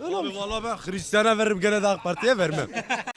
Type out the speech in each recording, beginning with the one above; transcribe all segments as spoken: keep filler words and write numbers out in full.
Öyle Abi olmuş. valla ben Hristiyan'a veririm gene de AK Parti'ye vermem.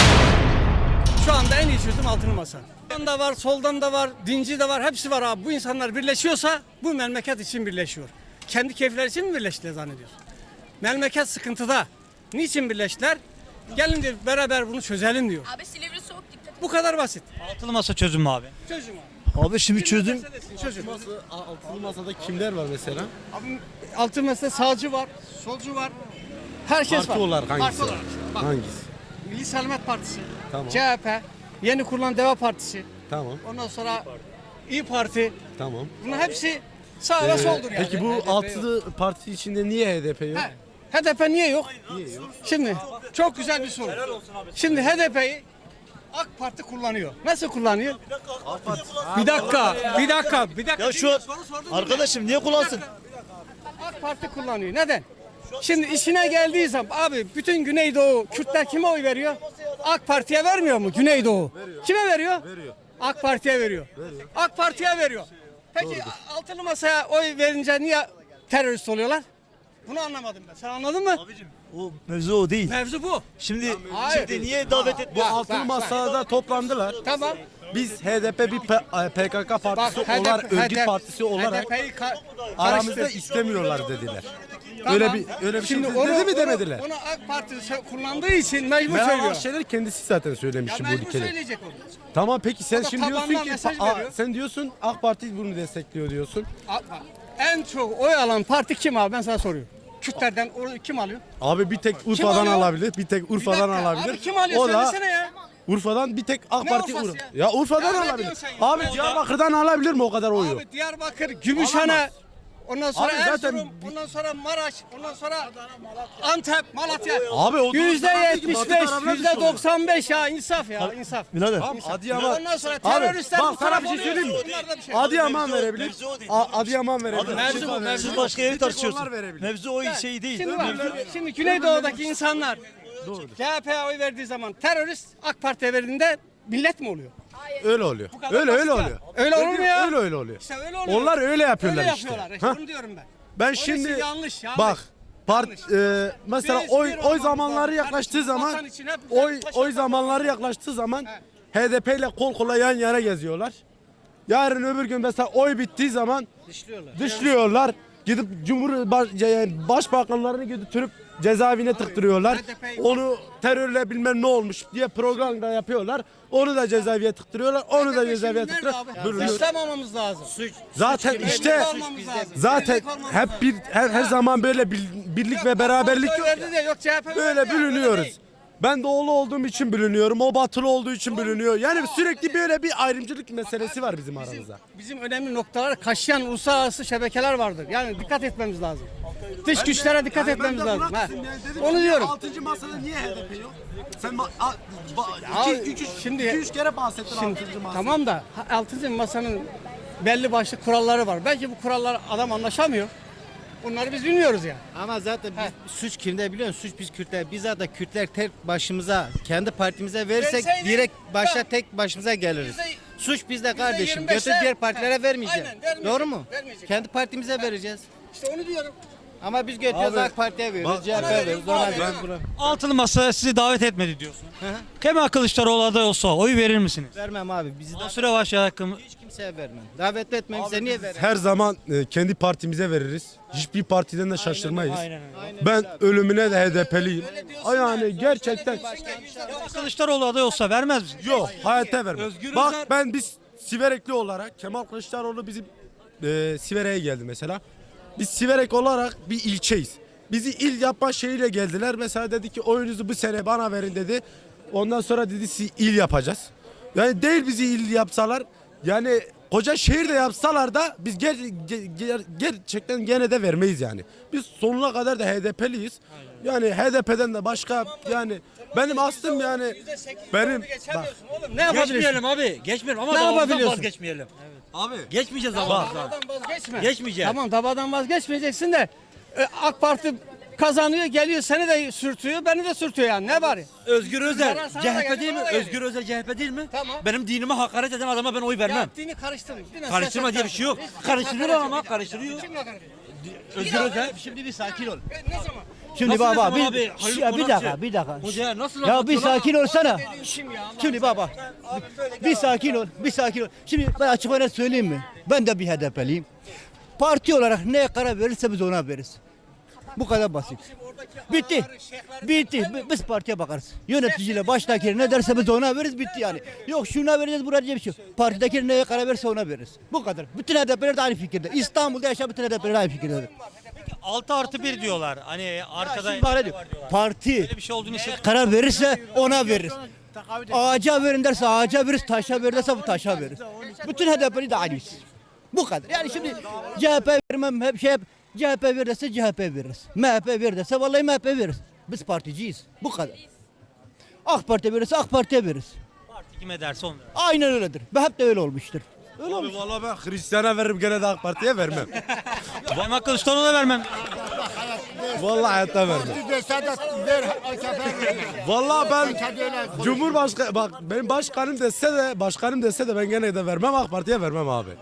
Şu anda en iyi çözüm altılı masa. Sağdan da var, soldan da var, dinci de var, hepsi var abi. Bu insanlar birleşiyorsa bu memleket için birleşiyor. Kendi keyifleri için mi birleştiler zannediyorsun? Memleket sıkıntıda. Niçin birleştiler? Gelin diyor beraber bunu çözelim diyor. Abi Silivri soğuk dikkat. Bu kadar basit. Altılı masa çözüm mü abi? Çözüm abi. Abi şimdi çözüm. Çözüm. Altılı masada kimler var mesela? Abi altı mesela sağcı var, solcu var. Herkes Parti var. olarak hangisi Parti var? olarak. Bak, Hangisi? Milli Selamet Partisi, Tamam. C H P, yeni kurulan Deva Partisi, Tamam. ondan sonra İyi Parti. Tamam. Bunlar hepsi sağ ve soldur yani. Peki bu altılı parti içinde niye H D P yok? He, H D P niye yok? Şimdi çok güzel bir soru. Şimdi H D P'yi AK Parti kullanıyor. Nasıl kullanıyor? Bir dakika, bir dakika, bir dakika. Ya şu an- Soru sordum, Arkadaşım niye kullansın? AK Parti kullanıyor. Neden? Şimdi işine geldiği zaman abi bütün Güneydoğu Kürtler kime oy veriyor? AK Parti'ye vermiyor mu Güneydoğu? Kime veriyor? Veriyor. AK Parti'ye veriyor. AK Parti'ye veriyor. Peki altılı masaya oy verince niye terörist oluyorlar? Bunu anlamadım ben. Sen anladın mı? O mevzu o değil. Mevzu bu. Şimdi Hayır. şimdi niye davet et? Bu Bak, altılı bak, masada toplandılar. Tamam. Biz H D P bir P- P K K partisi H D P olarak, örgüt partisi olarak H D P'yi ka- aramızda karıştır. istemiyorlar dediler. Tamam. Öyle bir öyle bir şey Şimdi dedi onu, mi onu- demediler? Onu AK Parti sö- kullandığı için mecbur Meral söylüyor. Akşener kendisi zaten Ya söylemişti bu mecbur ülkede. söyleyecek onu. Tamam peki sen O da şimdi diyorsun tabandan ki mesaj Aa, veriyor. sen diyorsun AK Parti bunu destekliyor diyorsun. A- bak, En çok oy alan parti kim abi ben sana soruyorum. Kürtlerden oy kim alıyor? Abi bir tek Urfa'dan alıyor? alabilir, bir tek Bir Urfa'dan dakika, alabilir. Abi kim alıyor O da söylesene ya. Urfa'dan bir tek AK Ne Parti Urfa'sı Ur- ya? Ya Urfa'dan Ya ne alabilir. diyorsun sen ya? Abi Diyarbakır'dan alabilir mi o kadar oyu? Abi Diyarbakır, Gümüşhane, Alamaz. ondan sonra Abi zaten- Erzurum, ondan sonra Maraş, ondan sonra Antep, Malatya. Abi o Yüzde yetmiş beş, tarafına yüzde düşüyor. doksan beş ya insaf ya insaf. Birader. Tamam Adıyaman. Ondan sonra Abi teröristler bak bu sana taraf bir şey oluyor. söyleyeyim mi? Bunlar da bir şey. Adıyaman verebilir. A- Adıyaman verebilir. Mevzu bu, mevzu Siz bu. başka yeri Bir tek onlar tartışıyorsun. verebilir. Mevzu o şey değil. Şimdi bak, şimdi Güneydoğu'daki insanlar C H P'ye oy verdiği zaman terörist, AK Parti'ye verdiğinde millet mi oluyor? Öyle oluyor. kadar Öyle öyle basit ya. oluyor. Öyle olur mu ya? Öyle öyle oluyor. İşte öyle oluyor. Onlar öyle yapıyorlar Öyle işte. yapıyorlar. İşte Ha? onu diyorum ben. Ben Onun için şimdi yanlış, yanlış. bak part Yanlış. e, mesela Biz oy bir oy olmamız zamanları lazım. yaklaştığı Kardeşim, zaman vatan için hep oy taşa oy taş- zamanları yaklaştığı zaman H D P ile kol kola yan yana geziyorlar. Yarın öbür gün mesela oy bittiği zaman dışlıyorlar. Dışlıyorlar. Gidip Cumhur baş, yani başbakanlarını götürüp cezaevine tıktırıyorlar. H D P Onu terörle bilmem ne olmuş diye program da yapıyorlar. Onu da cezaevine tıktırıyorlar. Onu da cezaevine Nerede tıktırıyorlar. abi? Duruyor. Dışlamamamız lazım. Suç. Zaten işte zaten hep bir her, her zaman böyle bir- birlik ve beraberlik yok. ya. Yok C H P Böyle verdi ya, öyle bölünüyoruz. değil. Ben doğulu olduğum için bölünüyorum. O batılı olduğu için bölünüyor. Yani sürekli böyle bir ayrımcılık meselesi var bizim aramızda. Bizim önemli noktalar kaşıyan uluslararası şebekeler vardır. Yani dikkat etmemiz lazım. Dış güçlere dikkat etmemiz lazım. Ha. Onu diyorum. altıncı masada niye H D P yok? Sen ma- a- Ya, ba- iki, iki, şimdi- iki, üç kere bahsettin Şimdi, altıncı masada. tamam da ha, altıncı masanın belli başlı kuralları var. Belki bu kurallar adam anlaşamıyor. Bunları biz bilmiyoruz yani. Ama zaten biz, suç kimde biliyor musun? Suç biz Kürtler. Biz zaten Kürtler tek başımıza, kendi partimize verirsek Verseydik, direkt başa bak, tek başımıza geliriz. yüzde- Suç bizde yüzde kardeşim. yirmi beşe Götür diğer partilere he, vermeyeceğiz. aynen, vermeyecek, Doğru mu? vermeyecek. Kendi partimize vereceğiz. İşte onu diyorum. Ama biz götürüyoruz Abi, AK Parti'ye veriyoruz, bak- C H P'ye veriyoruz, Ona ona veriyorum, veriyoruz. ben- buna- Altılı masa sizi davet etmedi diyorsun. Hı hı. Kemal Kılıçdaroğlu aday olsa oy verir misiniz? Vermem abi. Bizi Mansur davet, Yavaş yakın. hiç kimseye vermem. Davet etmem bize niye verir? Her zaman e, kendi partimize veririz. Hiçbir partiden de şaşırmayız. Aynen öyle. Ben ölümüne de H D P'liyim. Yani gerçekten Kılıçdaroğlu aday olsa vermez misiniz? yok hayata vermem. Özgür Bak Özel- ben biz Siverekli olarak Kemal Kılıçdaroğlu bizim e, Siverek'e geldi mesela. Biz Siverek olarak bir ilçeyiz. Bizi il yapma şeyiyle geldiler. Mesela dedi ki oyunuzu bu sene bana verin dedi. Ondan sonra dedi sizi il yapacağız. Yani değil bizi il yapsalar yani koca şehirde yapsalar da biz ger, ger- ger- gerçekten gene de vermeyiz yani. Biz sonuna kadar da H D P'liyiz. Yani H D P'den de başka yani benim aslım yani benim bak, Ne yapabilirsin? Geçmeyelim abi. Geçmeyelim ama Ne davamızdan yapabiliyorsun? vazgeçmeyelim. abi Geçmeyeceğiz Tamam, davamızdan. davadan vazgeçme. Geçmeyeceğiz. Tamam davadan vazgeçmeyeceksin de e, AK Parti kazanıyor geliyor seni de sürtüyor beni de sürtüyor yani ne var ya? Özgür Özel Zarar sana da C H P geldi, değil mi? bana da geldi. Özgür Özel C H P değil mi? Tamam. Benim dinime hakaret eden adama ben oy vermem. Ya dini karıştırın. Dine Karıştırma siyaset diye bir şey yok. karıştırın. Hiç- Karıştırıyor hakaret ama yok. karıştırıyor. Kimle hakaret ediyor? Özgür Özel şimdi bir sakin ol. E, Ne zaman? Şimdi Nasıl baba desem bir, abi, Halil ya bir Konakçı? dakika bir dakika. Hocaya nasıl Ya bir anlatıyorsun ama? sakin olsana. Şimdi baba bir sakin ol bir sakin ol. Şimdi ben açık ve net söyleyeyim mi? Ben de bir H D P'liyim. Parti olarak neye karar verirse biz ona veririz. Bu kadar basit. Bitti. Bitti. Bi- Biz partiye bakarız. Yöneticiyle baştaki ne derse biz ona veririz bitti yani. Yok şuna vereceğiz buraya diye bir şey yok. Partideki neye karar verirse ona veririz. Bu kadar. Bütün H D P'ler de aynı fikirde. İstanbul'da yaşayan bütün H D P'ler aynı fikirde. altı artı bir diyorlar. Hani arkada Şimdi bana diyor, parti böyle bir şey olduğunu hissetmiyorum. karar verirse ona veririz. Ağaca verin derse ağaca veririz, taşa verin derse bu taşa veririz. Bütün H D P'li de aynıyız. Bu kadar. Yani şimdi C H P vermem hep şey hep C H P ver dese C H P veririz. M H P ver dese vallahi M H P veririz. Biz particiyiz. Bu kadar. AK Parti verirse AK Parti'ye veririz. Parti kime derse onu. Aynen öyledir. Ve hep de öyle olmuştur. Öyle olmuş. Abi vallahi ben Hristiyan'a veririm gene de AK Parti'ye vermem. Kemal Kılıçdaroğlu'na vermem. Vallahi hayatta vermem. Vallahi ben Cumhurbaşkanı bak benim başkanım dese de başkanım dese de ben gene de vermem AK Parti'ye vermem abi.